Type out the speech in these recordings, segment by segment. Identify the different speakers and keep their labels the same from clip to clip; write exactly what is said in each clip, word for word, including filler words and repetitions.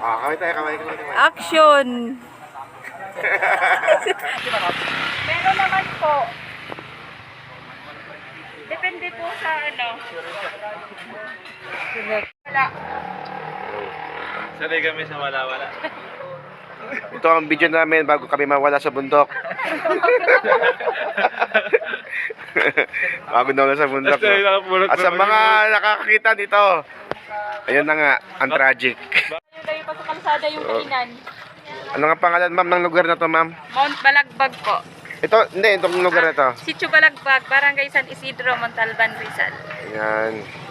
Speaker 1: Ah, kaway tayo, kaway, kaway, kaway.
Speaker 2: Action! Meron naman po. Depende po sa ano. Wala.
Speaker 3: Sanay kami sa wala-wala.
Speaker 1: Ito ang video namin bago kami mawala sa bundok. Bago na wala sa bundok. No? At sa mga nakakakita dito, ayun na nga, ang tragic.
Speaker 2: Layo pa sa kalsada yung kainan.
Speaker 1: Ano nga pangalan, ma'am, ng lugar na to, ma'am?
Speaker 2: Mount Balagbag po.
Speaker 1: Ito, hindi, itong lugar na to.
Speaker 2: Sitio Balagbag, Barangay San Isidro, Montalban, Rizal.
Speaker 1: Ayan.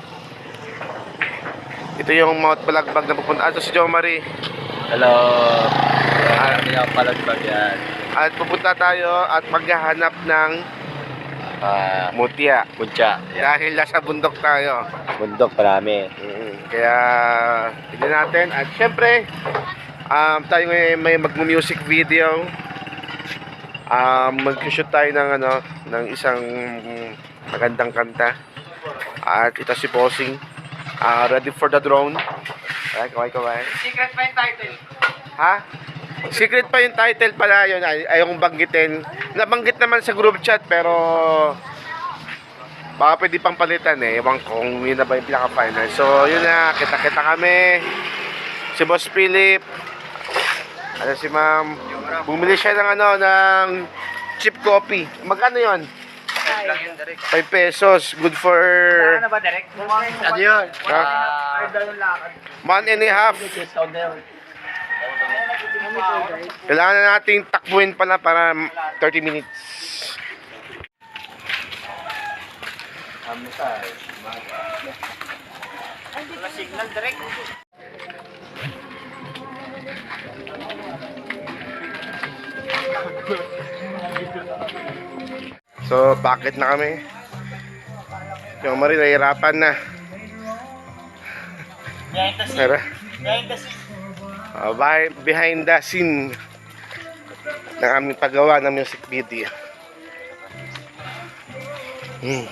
Speaker 1: Ito yung Mount Balagbag na pupunta. Ito si Jo Marie.
Speaker 3: Hello. Ah, hindi ako palagbag yan.
Speaker 1: At pupunta tayo at maghahanap ng
Speaker 3: Ah,
Speaker 1: mutya.
Speaker 3: Puntya.
Speaker 1: Dahil nasa bundok tayo.
Speaker 3: Bundok marami.
Speaker 1: Mm, kaya tignan natin. At syempre, um, tayo ngayon may mag-music video. Um, mag-shoot tayo ng ano, ng isang magandang kanta. At ito si Bossing. Uh, ready for the drone. Ay, kaway, kaway.
Speaker 2: Secret pa yung title.
Speaker 1: Ha? Secret pa yung title pala yun. Ay, ayong banggitin. Nabanggit naman sa group chat pero baka pwede pang palitan eh. Ewan kung yun na ba yung pinaka-final. So yun na, kita-kita kami. Si Boss Philip. Ano si ma'am. Bumili siya ng ano, ng cheap coffee. Magkano yun? five pesos. Good for
Speaker 2: Ano ba, direct?
Speaker 3: Ano yun?
Speaker 1: Ha? One and a half. Kailangan na nating takbuhin pala para thirty minutes.
Speaker 2: Signal direct.
Speaker 1: So, bakit na kami? Yung Marie, nahihirapan na. Tara. Uh, behind the scene ng aming paggawa ng music video. Hmm.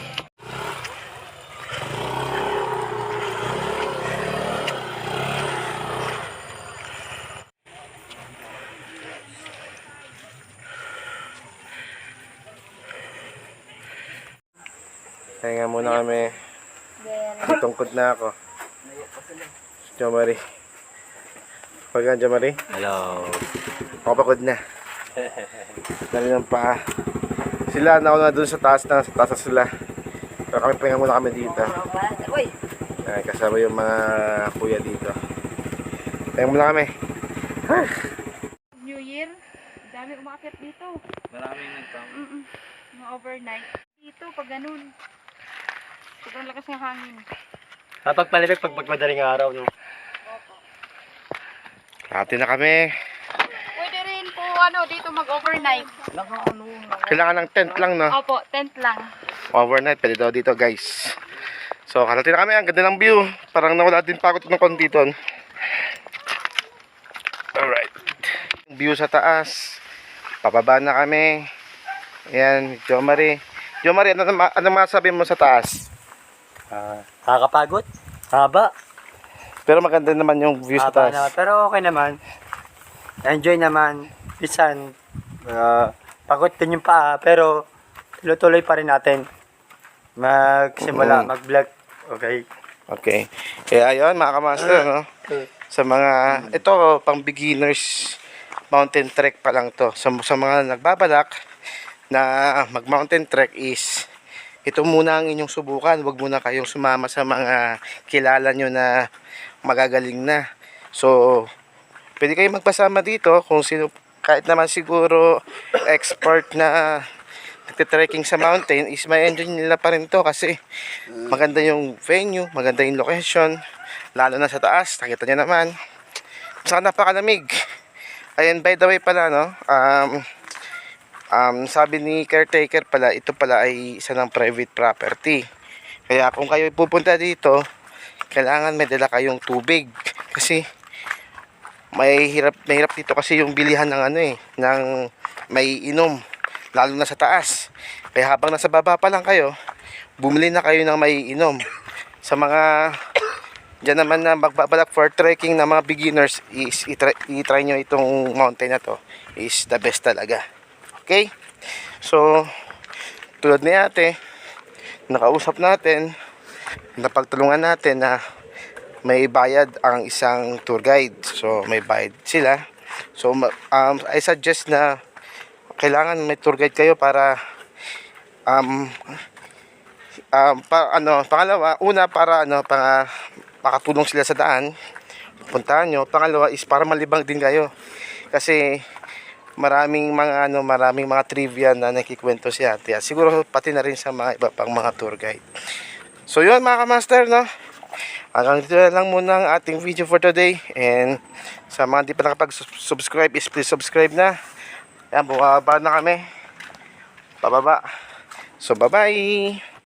Speaker 1: Kaya nga muna kami. Tungkod na ako. Jo Marie. Pag Jo Marie.
Speaker 3: Hello.
Speaker 1: Ako pagod na. Dali ng paa. Sila, nauna dun sa taas na. Sa taas na sila. Pero kami pahinga muna kami dito. Ay, kasama yung mga kuya dito. Pahinga muna kami.
Speaker 2: New Year, dami umakit dito.
Speaker 3: Maraming nagpang.
Speaker 2: Mm -mm. Mga overnight. Dito, pag ganun. Sobrang lakas ng hangin.
Speaker 3: Kapag palibig pag pagmadaling araw, no?
Speaker 1: Hati na kami.
Speaker 2: Pwede rin po ano, dito mag-overnight.
Speaker 1: Kailangan ng tent lang, no?
Speaker 2: Opo, tent lang.
Speaker 1: Overnight, pwede daw dito, guys. So, kalati na kami. Ang ganda ng view. Parang nawala din pa ako ng konti doon. Alright. View sa taas. Pababa na kami. Ayan, Jo Marie. Jo Marie, ano, ano masabi mo sa taas?
Speaker 3: Ah, nakakapagod. Haba.
Speaker 1: Pero maganda naman yung view sa
Speaker 3: Haba
Speaker 1: taas.
Speaker 3: naman. Pero okay naman. Enjoy naman. Bisan, ah, pagod din yung paa. Pero, tuloy-tuloy pa rin natin. Magsimula,
Speaker 1: Mm.
Speaker 3: mag-vlog. Okay.
Speaker 1: Okay. Kaya ayun, mga kamaster, no? Sa mga, ito, pang beginners, mountain trek pa lang to. Sa, sa mga nagbabalak na mag-mountain trek is, ito muna ang inyong subukan. Huwag muna kayong sumama sa mga kilala nyo na magagaling na. So, pwede kayong magpasama dito kung sino, kahit naman siguro expert na nagte-trekking sa mountain is may enjoy nila pa rin to kasi maganda yung venue, maganda yung location, lalo na sa taas, nakita nyo naman. Saka napakalamig. Ayan, by the way pala, no, um, Um, sabi ni caretaker pala, ito pala ay isa ng private property. Kaya kung kayo pupunta dito, kailangan may dala kayong tubig. Kasi may hirap, may hirap dito kasi yung bilihan ng ano eh, ng may inom, lalo na sa taas. Kaya habang nasa baba pa lang kayo, bumili na kayo ng may inom. Sa mga dyan naman na magbabalak for trekking na mga beginners is itry, itry nyo itong mountain na to. Is the best talaga. Okay? So, tulad ni ate, nakausap natin, napagtulungan natin na may bayad ang isang tour guide. So, may bayad sila. So, um, I suggest na kailangan may tour guide kayo para um, um pa, ano, pangalawa, una para ano, para makatulong sila sa daan, puntahan nyo. Pangalawa is para malibang din kayo. Kasi maraming mga ano, maraming mga trivia na nakikwento si ate. At siguro pati na rin sa mga iba pang mga tour guide. So yun mga kamaster, no? Hanggang dito na lang muna ang ating video for today. And sa mga di pa nakapag-subscribe is please subscribe na. Yan, bumaba na kami. Pababa. So bye bye.